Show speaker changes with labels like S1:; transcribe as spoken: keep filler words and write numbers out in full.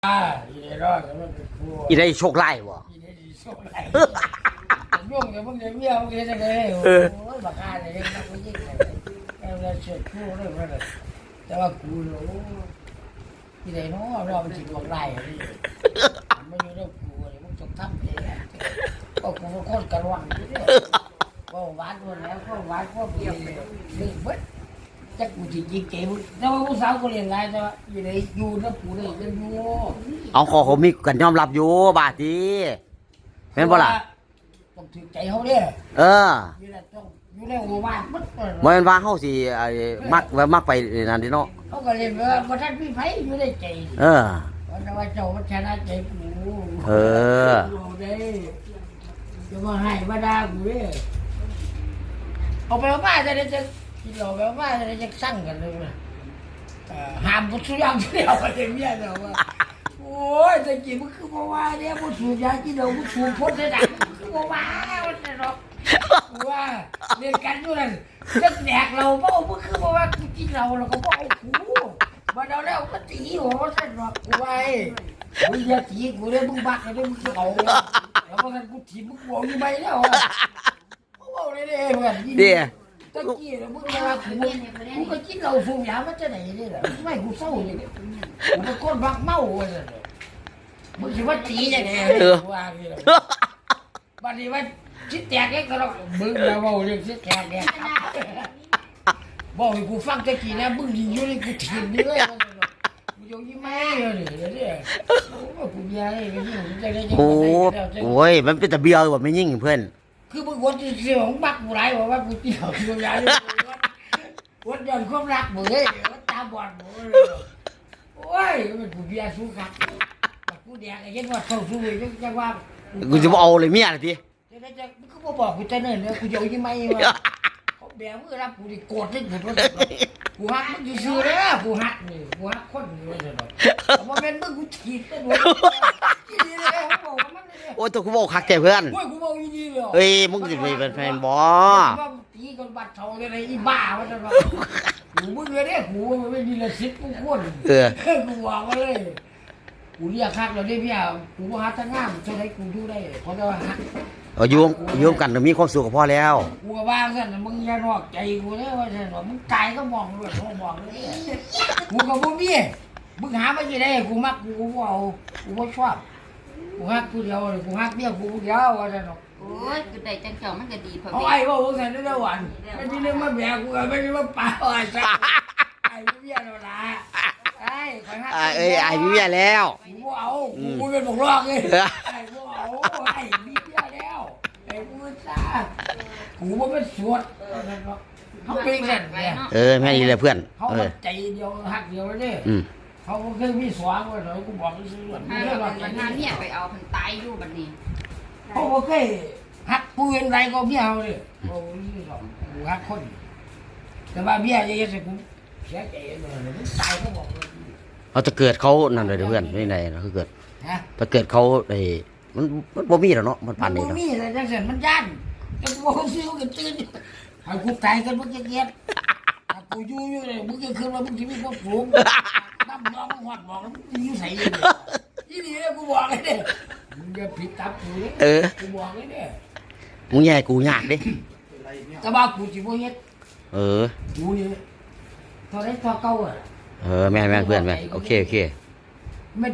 S1: อ่าอีได้รอดแต่มันเป็นครู
S2: อีได้โชคไล่บ่
S1: อีได้ดีโชคไรยุ่งกับมึงเดี๋ยวเมียมึงจะได้โอ้ยบักอาเลยยังนักยิ่งเลยแอลเชิดครูเลยว่าเลยแต่ว่ากูโอ้อีได้น้อเราเป็นจิตบักไล่นี่ไม่อยู่ในกูเลยมึงจงทำเองก็กูเป็นคนกระวังนี่เนี่ยก็หวานหมดแล้วก็หวานก็เบียร์ลืมเบิดจักกูจิตยิงเก๋มึงแต่ว่าผู้สาวก็เรียนไงแต่ว่าอยู่ในอยู่ในกูเลยยังอยู่
S2: เอาขอเขามีกันยอมรับอยู่บาดดีแม่นบ่ล่ะ
S1: ต้องถือใจเขาเนี่ย
S2: เออ
S1: อยู่ในต้องอยู่ในหัวบ้านมัด
S2: บ่แม่นว่าเฮาสิไอ้มักไว้มักไปนั่นดิเนาะ
S1: เขาก็เรียนว่าพระท่านพี่ไผอยู่ในใจ
S2: เออ
S1: วันว่าเจ้ามันชนะใจกู
S2: เออ
S1: เด้จะมาให้มาด่ากูเด้เอาไปเอามาจะได้จะกินเหล้าไปเอามาจะได้จะสั่งกันเลยนะห้ามกูสุยามเดียวไปเมียเนาะว่าโอ้ยแต่กี้มันคือบ่ว่าเนี่ยบ่สูบยากินเหล้าบ่สูบพ้นได้ดังคือบ่ว่าว่าแต่เนาะว่าเรียนกันอยู่นั่นจะแดกเราบ่บ่คือบ่ว่ากูกินเหล้าแล้วก็บ่เอากูบ่เอาแล้วก็ตีหัวซั่นเนาะกูไว้มึงอย่าตีกูเลยมึงบักเลยมึงเอาแล้วบ่งั้นกูถีบมึงหัวอยู่ไปแล้วอ่ะบ่เอาเลยเด้เพื่อน
S2: เดี๋ย
S1: ตะกี้น่ะมึงว่ากูกูก็กินเหล้าสูบยามาจะไหนนี่ล่ะไม่กูเศร้านี่กูเป็นคนบักเมาว่าซั่นมึงสิว่าตีจังได๋ว่านี่ล่ะบัดนี้ว่าสิแตกเองก็แล้วมึงอย่าเว้าเรื่องสิแตกเนี่ยบอกให้กูฟังตะกี้นะมึงยิงอยู่นี่กูถีบนี่เลยกูอยู่ยี่แม่เลยเนี่ยโอ้กูยาเลยไปยิงจังได๋จัง
S2: โอ้
S1: ได๋
S2: โอ้ยมันเป็นตะเบียวบ่แม่นยิ่งเพิ่น
S1: คือมึงวนที่เสียของบักกูหลายว่าว่ากูเกี่ยวกูยาเลยวนย้อนความรักมึงเอ้ยตาบอดมึงโอ้ยมันกูเบียร์สู้คักกูแดกไอ้ยันว่าเข้าสู้จังจังว่า
S2: กูสิบ่เอาเลยเมียล่ะติ
S1: จะได้จะมึงก็บอกกูแต่เนิ่นเลยกูอยู่ยังไงวะเขาแบมือรับกูดิโกรธเลยกูว่ากูฮักมึงอยู่ซื่อเลยกูฮักนี่กูฮักคนนี่ว่าจะดอกแต่ว่าเป็นมึงกูถีบไปหมดอีนี่เลยเขาบอกมันเลย
S2: โอ้ยตัวกูบอกคักแท้เพื่อน
S1: โอ้ยกูบอกอีนี่เลย
S2: เฮ้ยมึงสิไปเป็นแฟนบ่
S1: ว่าตีกันบัดเท่าอะไรอีบ้าว่าจะว่ากูมึงเลยเนี่ยกูไม่มีละสิบกูคน
S2: เออ
S1: กูวางมาเลยกูเรียกคักเราได้พี่อ่ะกูหาทางงามเท่าไรกูดูได้เพราะว่าฮัก
S2: เอาอยู่อยู่กันก็มีความสุขก็พอแล้ว
S1: กูก็ว่าสั่นมึงอย่านอกใจกูเลยว่าสั่นว่ามึงตายก็มองด้วยเขามองเลยกูก็บ่มีมึงหามาที่ไหนกูมักกูกูเอากูบ่ชอบกูฮักกูเดียวกูฮักเมียกูเดียวว่าสั่น
S3: โอ้ยกูได้จังเจ้ามันก็ดีพอ
S1: เอา
S3: แม่
S1: ไอ้บ่ว่าสั่นได้วันไม่มีเรื่องมาแบกกูไม่มีมาป่าไอ้สั่นไอ้เมียเราละไอ้คอยฮัก
S2: อ่าเอ้ยไอ้มีเมียแล้ว
S1: กูบ่เอากูเป็นบอกรอกเลยไอ้บ่เอาไอ้มีเมียแล้วไอ้กูซ่ากูบ่เป็นสวดเขาเป็นสั่นเนี่ย
S2: เออแม่นี่แหละเพื่อน
S1: เขา
S2: เออ
S1: ใจเดียวหักเดียวเลย
S2: อืม
S1: เขาก็เคยมีสวางไว้หน่อยกูบอกเขาซื้อ
S3: ถ้า
S1: เรื่
S3: เรา
S1: อง
S3: เป็นวันนั้นเนี่ยไปเอาคนตายอยู่บัดนี้
S1: เขาก็เคยหักปืนไรก็เบี้ยเขาเลยโอ้ยสองกูหักคน แต่ว่าเบี้ยเยอะๆสิกูเสียใจเลยมึงตายเขาบอกเลย
S2: เอาจะเกิดเขานั่นเลยเด้อเพื่อนไม่ไหนเนาะคือเกิด
S1: ฮะ
S2: ถ้าเกิดเขาไอ้มันมันบ่มีแล้วเนาะมัน
S1: มั
S2: ปาน น
S1: บ่
S2: นี้เนาะ
S1: มีอะไรจังสันมันยันแต่กูบอกเขาซื้อกูตื่นให้กูตายกันมึงจะเก็บกูอยู่อยู่เลยมึงจะขึ้นมามึงจะมีความสูงน้ำน้องมึงหอดบอกแล้วมึงอยู่ใส่เลยยี่นี่เลยกูบอกเลยเนี่ยมึงจะผิดตับกูเลย
S2: เออ
S1: กูบอกเลยเนี่ย
S2: มึงแย่กูยากเด้
S1: แต่ว่ากูสิบ่เฮ็ด
S2: เออ
S1: กูนี่ตอนนี้ตัวเก่าอ่ะ
S2: เออแม่นแม่นเพื่อนแม่นโอเคโอเค